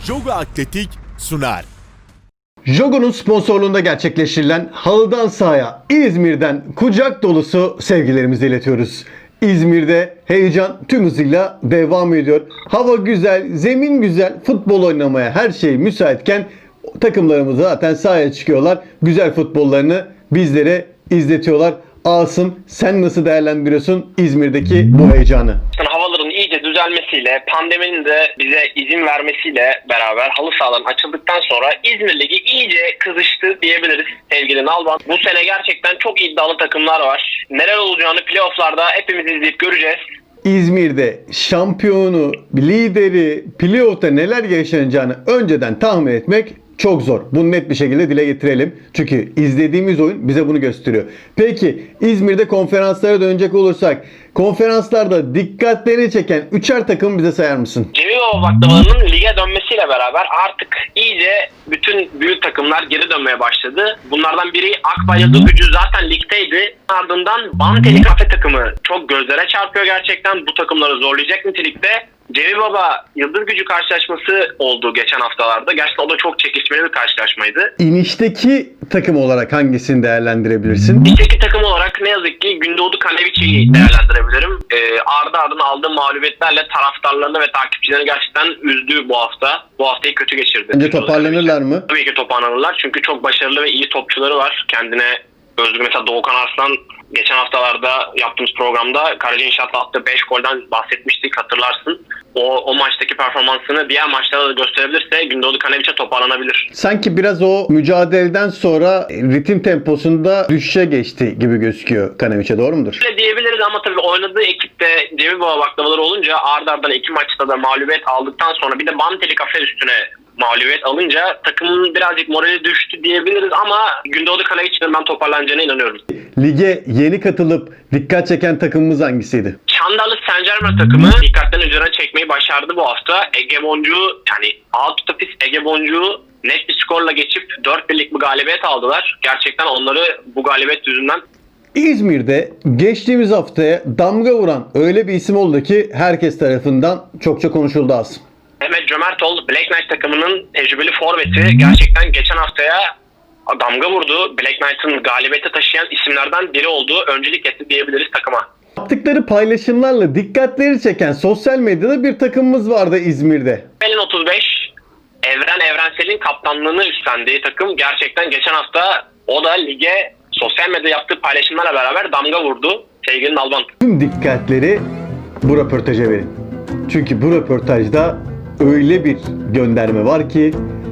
Jogo Atletik sunar. Jogo'nun sponsorluğunda gerçekleştirilen Halıdan Sahaya İzmir'den kucak dolusu sevgilerimizi iletiyoruz. İzmir'de heyecan tüm hızıyla devam ediyor. Hava güzel, zemin güzel, futbol oynamaya her şey müsaitken takımlarımız zaten sahaya çıkıyorlar. Güzel futbollarını bizlere izletiyorlar. Asım, sen nasıl değerlendiriyorsun İzmir'deki bu heyecanı? Havaların iyice düzelmesiyle, pandeminin de bize izin vermesiyle beraber halı sahaların açıldıktan sonra İzmir Ligi iyice kızıştı diyebiliriz sevgili Nalban. Bu sene gerçekten çok iddialı takımlar var. Neler olacağını playofflarda hepimiz izleyip göreceğiz. İzmir'de şampiyonu, lideri, playoff'ta neler yaşanacağını önceden tahmin etmek çok zor. Bunu net bir şekilde dile getirelim. Çünkü izlediğimiz oyun bize bunu gösteriyor. Peki İzmir'de konferanslara dönecek olursak, konferanslarda dikkatlerini çeken 3'er takım bize sayar mısın? Cemilova baklavalarının lige dönmesiyle beraber artık iyice bütün büyük takımlar geri dönmeye başladı. Bunlardan biri Akbay Yıldızgücü zaten ligdeydi. Ardından Banteli Kafe takımı çok gözlere çarpıyor gerçekten. Bu takımları zorlayacak nitelikte. Cemil Baba Yıldız Gücü karşılaşması oldu geçen haftalarda. Gerçekten o da çok çekişmeli bir karşılaşmaydı. İnişteki takım olarak hangisini değerlendirebilirsin? İçteki takım olarak ne yazık ki Gündoğdu Kaneviçi'yi değerlendirebilirim. Ardı ardına aldığı mağlubiyetlerle taraftarlarını ve takipçilerini gerçekten üzdü bu hafta. Bu haftayı kötü geçirdi. Bence toparlanırlar mı? Tabii ki toparlanırlar. Çünkü çok başarılı ve iyi topçuları var. Kendine özgü mesela Doğukan Arslan geçen haftalarda yaptığımız programda Karaca İnşaat'la attığı 5 golden bahsetmiştik, hatırlarsın. O maçtaki performansını diğer maçlarda da gösterebilirse Gündoğdu Kaneviç'e toparlanabilir. Sanki biraz o mücadeleden sonra ritim temposunda düşüşe geçti gibi gözüküyor Kaneviç'e, doğru mudur? Öyle diyebiliriz ama tabii oynadığı ekipte Cemil Baba baklavaları olunca ardı ardına 2 maçta da mağlubiyet aldıktan sonra bir de Banteli Kafe üstüne mağlubiyet alınca takımın birazcık morali düştü diyebiliriz ama Gündoğdu Kaneviç'in ben toparlanacağına inanıyorum. Lige yeni katılıp dikkat çeken takımımız hangisiydi? Çandarlı Saint-Germain takımı dikkatlerini üzerine çekmeyi başardı bu hafta. Ege Boncuğu yani alt tapis Ege Boncuğu net bir skorla geçip 4-1'lik bir galibiyet aldılar. Gerçekten onları bu galibiyet yüzünden İzmir'de geçtiğimiz haftaya damga vuran öyle bir isim oldu ki herkes tarafından çokça konuşuldu Asım. Mehmet Cömertoğlu Black Knight takımının tecrübeli forveti gerçekten geçen haftaya damga vurdu. Black Knight'ın galibiyete taşıyan isimlerden biri olduğu öncelik etti diyebiliriz takıma. Yaptıkları paylaşımlarla dikkatleri çeken sosyal medyada bir takımımız vardı İzmir'de. Pelin 35 Evrensel'in kaptanlığını üstlendiği takım gerçekten geçen hafta o da lige sosyal medyada yaptığı paylaşımlarla beraber damga vurdu sevgili Nalban. Tüm dikkatleri bu röportaja verin. Çünkü bu röportajda öyle bir gönderme var ki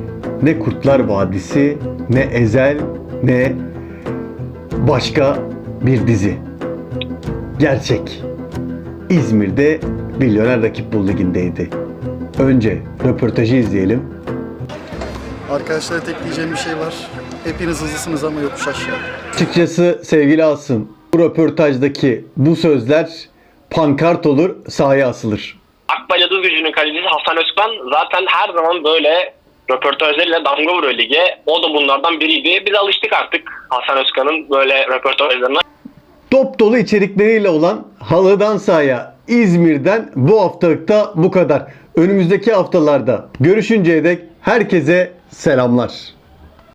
ne Kurtlar Vadisi, ne Ezel, ne başka bir dizi. Gerçek. İzmir'de Milyoner Rakip Bul Ligi'ndeydi. Önce röportajı izleyelim. Arkadaşlara tek diyeceğim bir şey var. Hepiniz hızlısınız ama yokuş aşağı. Açıkçası sevgili Asım, bu röportajdaki bu sözler pankart olur, sahaya asılır. Akbay Yıldız Gücü'nün kalecisi Hasan Özkan zaten her zaman böyle röportajlarıyla damga vuruyor lige. O da bunlardan biriydi. Biz alıştık artık Hasan Özkan'ın böyle röportajlarına. Top dolu içerikleriyle olan Halıdan Sahaya İzmir'den bu haftalıkta bu kadar. Önümüzdeki haftalarda görüşünceye dek herkese selamlar.